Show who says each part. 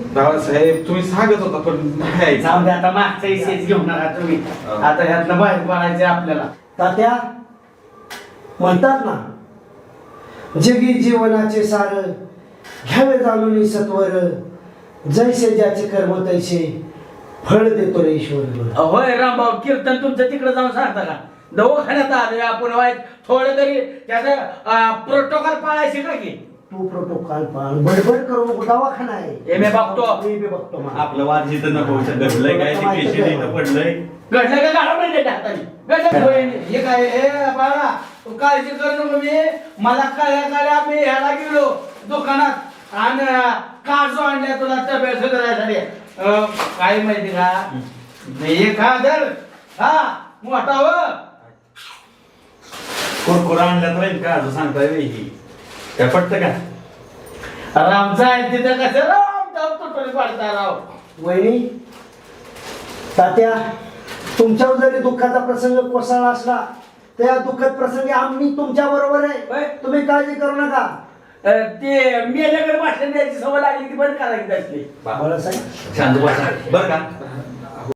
Speaker 1: बाळासाहेब तुम्ही सांगत होता पण नाही
Speaker 2: जाऊ दे आता मागचा इसेच घेऊ नका तुम्ही. आता ह्यातनं बाहेर पडायचंय आपल्याला.
Speaker 3: तात्या म्हणतात ना, जगी जीवनाचे सार घ्यावे जाणून सत्वर, जैसे ज्याचे कर्म तैसे फळ देतो रे ईश्वर.
Speaker 2: होय रामभाऊ, कीर्तन तुमचं तिकडे जाऊन सांगता का? दवाखान्यात आलोय आपण, वाईट थोडं तरी त्याचं प्रोटोकॉल पाळायचे का की?
Speaker 3: तू प्रोटोकॉल पाळ, बडबड करू नको, दवाखाना आहे.
Speaker 2: हे मी बघतो.
Speaker 3: मी बघतो मग.
Speaker 4: आपलं वाद जिथं नको घडलंय काय ते पेशंट इथं पडलंय.
Speaker 2: घडलं का गाडा नाही हाताने हे काय हे बाळा, तू काळजी करू नको. मला कळल्या मी ह्याला गेलो दुकानात आणि काजू आणल्या तुला तब्येत सुधारायसाठी. काय माहिती का, हे खा धर, हा मोठा व
Speaker 4: कुरकुरा आणल्यात राहील का असं सांगताय ही काय पटतं का?
Speaker 2: रामचा आहे तिथं कसं राम तुटून पडता राव.
Speaker 3: वहिनी, तात्या, तुमच्यावर जरी दुःखाचा प्रसंग कोसळला असला तर या दुःखद प्रसंगी आम्ही तुमच्या बरोबर
Speaker 2: होय.
Speaker 3: आहे. तुम्ही काळजी करू नका.
Speaker 2: ते मेल्याकडे भाषण द्यायची सवय लागली ती बंद करायची असली.
Speaker 3: बाळासाहेब,
Speaker 4: शांत बसा बरं का.